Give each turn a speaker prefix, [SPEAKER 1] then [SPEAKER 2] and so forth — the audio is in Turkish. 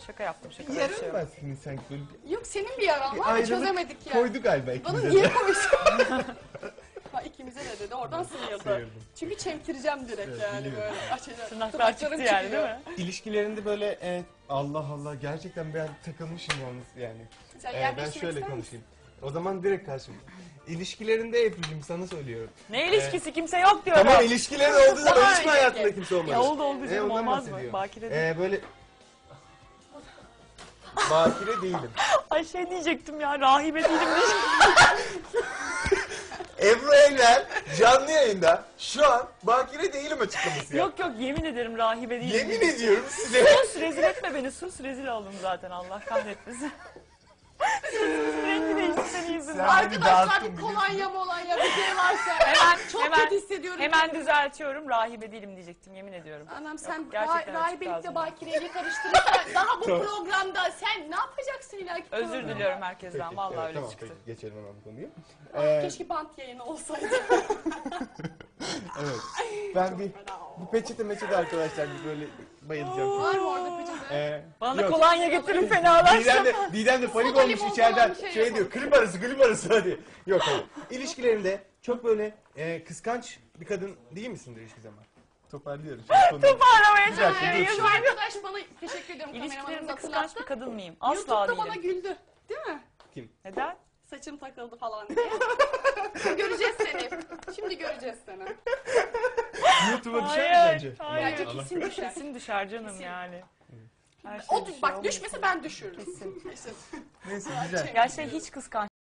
[SPEAKER 1] Şaka yaptım. Şaka
[SPEAKER 2] Yarın
[SPEAKER 1] bir şey yok.
[SPEAKER 2] var senin sanki böyle bir
[SPEAKER 3] Yok senin bir yaran var da
[SPEAKER 2] ayrılık
[SPEAKER 3] çözemedik ya.
[SPEAKER 2] koydu galiba
[SPEAKER 3] Bana
[SPEAKER 2] ikimize
[SPEAKER 3] niye
[SPEAKER 2] de.
[SPEAKER 3] koysun? Ha, ikimize de dedi. Oradan sıyırdı.
[SPEAKER 2] Sıyırdım.
[SPEAKER 3] Çünkü çemkireceğim direkt
[SPEAKER 2] Evet,
[SPEAKER 3] yani
[SPEAKER 2] biliyorum.
[SPEAKER 3] böyle. Açacağım.
[SPEAKER 1] Tırnaklar çıktı
[SPEAKER 3] Tırnaklarım
[SPEAKER 1] yani değil mi?
[SPEAKER 2] İlişkilerinde böyle Allah Allah gerçekten ben takılmışım yalnız yani.
[SPEAKER 3] Sen
[SPEAKER 2] Ben
[SPEAKER 3] yer değiştirmek
[SPEAKER 2] şöyle
[SPEAKER 3] ister misin?
[SPEAKER 2] konuşayım. O zaman direkt karşıma. İlişkilerinde Efe'cim sana söylüyorum.
[SPEAKER 1] Ne ilişkisi kimse yok diyorum.
[SPEAKER 2] Tamam ilişkilerin olduğu zaman
[SPEAKER 3] Daha
[SPEAKER 2] hiç mi
[SPEAKER 3] önceki.
[SPEAKER 2] hayatında kimse olmadı?
[SPEAKER 1] Ya oldu canım
[SPEAKER 2] ondan
[SPEAKER 1] olmaz mı?
[SPEAKER 2] bahsediyorum.
[SPEAKER 1] Bakire değil.
[SPEAKER 2] Böyle... Bakire değilim.
[SPEAKER 1] Ay şey diyecektim ya rahibe değilim diyecektim.
[SPEAKER 2] Ebru Evler canlı yayında şu an bakire değilim açıklaması ya.
[SPEAKER 1] Yok yemin ederim rahibe değilim.
[SPEAKER 2] Yemin ediyorum size.
[SPEAKER 1] Sus rezil etme beni sus rezil oldum zaten Allah kahretmesin. Sesimizin rengi değişti senin yüzünden.
[SPEAKER 2] Sen-
[SPEAKER 3] Arkadaşlar
[SPEAKER 2] dağıttın
[SPEAKER 3] bir kolonya molonya bir şey varsa. Çok
[SPEAKER 1] hemen-
[SPEAKER 3] kötü hissediyorum.
[SPEAKER 1] Hemen düzeltiyorum rahibe değilim diyecektim yemin ediyorum.
[SPEAKER 3] Anam sen
[SPEAKER 1] gerçekten açık
[SPEAKER 3] rahibelikle
[SPEAKER 1] ağzım.
[SPEAKER 3] bakireliği karıştırırsan daha bu programda sen ne yapacaksın ileriki
[SPEAKER 1] Özür
[SPEAKER 3] programda?
[SPEAKER 1] diliyorum herkesten vallahi
[SPEAKER 2] Evet,
[SPEAKER 1] öyle
[SPEAKER 2] tamam,
[SPEAKER 1] çıktı.
[SPEAKER 2] peki, geçelim hemen bu konuyu.
[SPEAKER 3] Keşke bant yayını olsaydı.
[SPEAKER 2] Evet. Ben bir peçete arkadaşlar bir böyle bayılacağım.
[SPEAKER 3] Var mı orada peçete?
[SPEAKER 1] Bana da
[SPEAKER 2] Yok.
[SPEAKER 1] kolonya getirin fenalaştım.
[SPEAKER 2] Didem de panik
[SPEAKER 3] Soda
[SPEAKER 2] olmuş
[SPEAKER 3] limon
[SPEAKER 2] içeriden
[SPEAKER 3] falan bir şey
[SPEAKER 2] şey
[SPEAKER 3] yapalım.
[SPEAKER 2] diyor klip arası hadi. Yok hayır. İlişkilerinde çok böyle kıskanç bir kadın değil misindir hiçbir zaman? Toparlıyorum.
[SPEAKER 1] Toparlamaya
[SPEAKER 2] Bir dakika,
[SPEAKER 1] çalışıyorum.
[SPEAKER 2] dur.
[SPEAKER 3] Şu arkadaş bana teşekkür ediyorum
[SPEAKER 1] İlişkilerimde
[SPEAKER 3] kameramanımıza
[SPEAKER 1] kıskanç
[SPEAKER 3] hatırlattı.
[SPEAKER 1] bir kadın mıyım? Asla
[SPEAKER 3] YouTube'da bana
[SPEAKER 1] değilim.
[SPEAKER 3] güldü. Değil mi?
[SPEAKER 2] Kim?
[SPEAKER 1] Neden?
[SPEAKER 3] Saçım takıldı falan diye. Göreceğiz seni. Şimdi göreceğiz seni.
[SPEAKER 2] YouTube'a düşer mi sence?
[SPEAKER 1] Hayır.
[SPEAKER 3] Bence kesin düşer.
[SPEAKER 1] Kesin düşer canım
[SPEAKER 3] Kesin.
[SPEAKER 1] yani. Her şey
[SPEAKER 3] O,
[SPEAKER 1] düşüyor,
[SPEAKER 3] bak
[SPEAKER 1] olmaz.
[SPEAKER 3] düşmese ben düşürürüm. Kesin.
[SPEAKER 2] Neyse güzel.
[SPEAKER 1] Ya şey hiç kıskanç